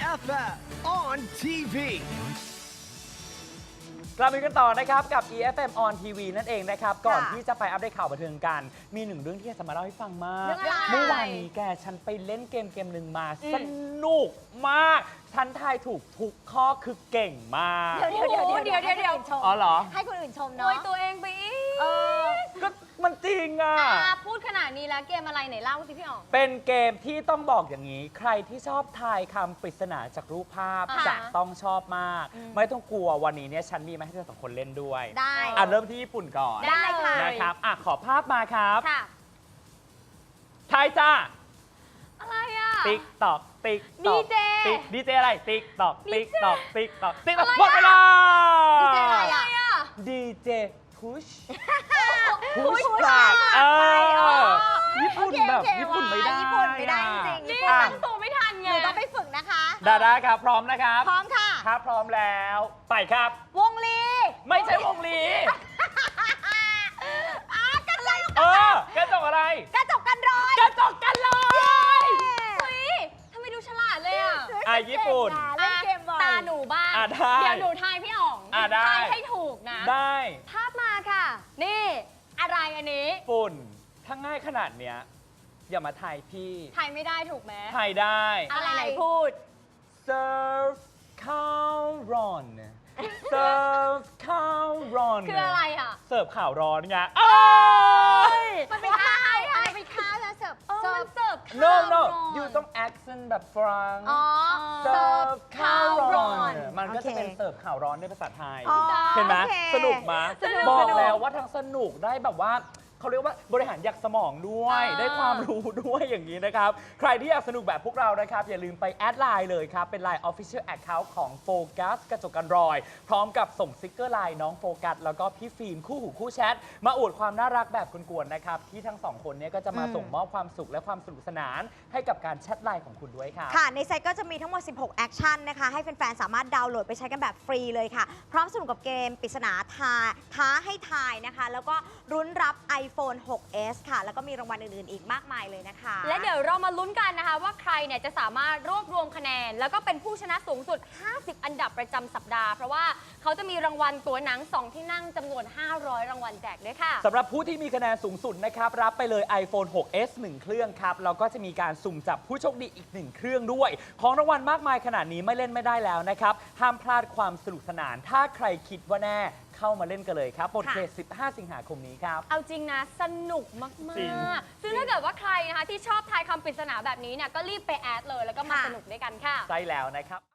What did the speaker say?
EFF on TV กลับมากันต่อนะครับกับ EFM on TV นั่นเองนะครับก่อนที่จะไปอัปเดตข่าวบันเทิงกันมีหนึ่งเรื่องที่จะมาเล่าให้ฟังมากเมื่อวานนี้แกฉันไปเล่นเกมหนึ่งมาสนุกมากฉันทายถูกทุกข้อคือเก่งมากเดี๋ยวอ๋อเหรอให้คนอื่นชมโวยเนาะตัวเองไปอีกก็มันจริงอ่ะพูดขนาดนี้แล้วเกมอะไรไหนเล่าสิพี่อ๋องเป็นเกมที่ต้องบอกอย่างนี้ ใครที่ชอบทายคำปริศนาจากรูปภาพอ่าจะต้องชอบมาก ไม่ต้องกลัววันนี้เนี่ยฉันมีมาให้เธอสองคนเล่นด้วยได้เริ่มที่ญี่ปุ่นก่อนได้ค่ะนะครับขอภาพมาครับค่ะทายจ้าอะไรอ่ะติ๊กตอกติ๊กดีเจดีเจอะไรติ๊กตอกติ๊กตอกติ๊กตอกติ๊กตอกอะไรอะหมดเวลาดีเจอะไรอะไรอ่ะดีเจพุช push กลับอ๋อญี่ปุ่นแบบโอเคญี่ปุ่นไม่ได้ญี่ปุ่นไม่ได้จริงๆนี่ญี่ปุ่นตั้งตัวไม่ทันหไงนูต้องไปฝึกนะคะได้ครับพร้อมนะครับพร้อมค่ะถ้าพร้อมแล้วไปครับวงลีไม่ใช่วงลีกระจกกระจกอะไรกระจกกันรอยกระจกกันเลยเฮ้ยทำไมดูฉลาดเลยอ่ะญี่ปุ่นเล่นเกมบ่อยตาหนูบ้างได้เดี๋ยวหนูทายพี่อ๋องได้ทายให้ถูกนะได้ภาพมาค่ะ นี่อะไรอันนี้ฝุ่นถ้าง่ายขนาดเนี้ยอย่ามาทายพี่ทายไม่ได้ถูกไหมทายได้อะไรไหนพูด serve ข้าวร้อน serve ข้าวร้อนคืออะไรอ่ะเสิร์ฟข่าวร้อนไงมันเป็นท่าอะไรไปค้าแล้วเสิร์ฟมันเสิร์ฟ no ข้าว no ร้อน you ต้อง accent แบบฝรั่งอ๋อเสิร์ฟข้าวร้อนเสิร์ฟข้าวร้อนมันก็จะโอเคเป็นเสิร์ฟข่าวร้อนในภาษาไทยอ๋อเห็นไหมโอเคสนุกไหมสนุกบอกสนุกแล้วว่าทั้งสนุกได้แบบว่าเขาเรียกว่าบริหารอยากสมองด้วย ได้ความรู้ด้วยอย่างนี้นะครับ ใครที่อยากสนุกแบบพวกเรานะครับ อย่าลืมไปแอดไลน์เลยครับ เป็นไลน์ Official Account ของโฟกัสกระจกกันรอย พร้อมกับส่งสติกเกอร์ไลน์น้องโฟกัสแล้วก็พี่ฟิล์มคู่หูคู่แชท มาอวดความน่ารักแบบกวนๆนะครับ ที่ทั้งสองคนเนี้ก็จะมาส่งมอบความสุขและความสนุกสนาน ให้กับการแชทไลน์ของคุณด้วยค่ะค่ะ ในไซต์ก็จะมีทั้งหมด 16 แอคชั่นนะคะ ให้แฟนๆ สามารถดาวน์โหลดไปใช้กันแบบฟรีเลยค่ะ พร้อมสนุกกับเกมปริศนาท้าให้ทายนะคะ แล้วก็รุ้นรับ iPhone 6s ค่ะ แล้วก็มีรางวัลอื่นๆ อีกมากมายเลยนะคะและเดี๋ยวเรามาลุ้นกันนะคะว่าใครเนี่ยจะสามารถรวบรวมคะแนน แล้วก็เป็นผู้ชนะสูงสุด 50 อันดับประจำสัปดาห์ เพราะว่าเขาจะมีรางวัลตั๋วหนัง 2 ที่นั่งจำนวน 500 รางวัลแจกด้วยค่ะสำหรับผู้ที่มีคะแนนสูงสุดนะครับ รับไปเลย iPhone 6s 1 เครื่องครับแล้วก็จะมีการสุ่มจับผู้โชคดีอีก 1 เครื่องด้วย ของรางวัลมากมายขนาดนี้ไม่เล่นไม่ได้แล้วนะครับ ห้ามพลาดความสนุกสนาน ถ้าใครคิดว่าแน่เข้ามาเล่นกันเลยครับบทเขต15 สิงหาคมนี้ครับเอาจริงนะ สนุกมากจริงๆ ซึ่งถ้าเกิดว่าใครนะคะที่ชอบทายคำปริศนาแบบนี้เนี่ยก็รีบไปแอดเลยแล้วก็มาค่ะสนุกด้วยกันค่ะใช่แล้วนะครับ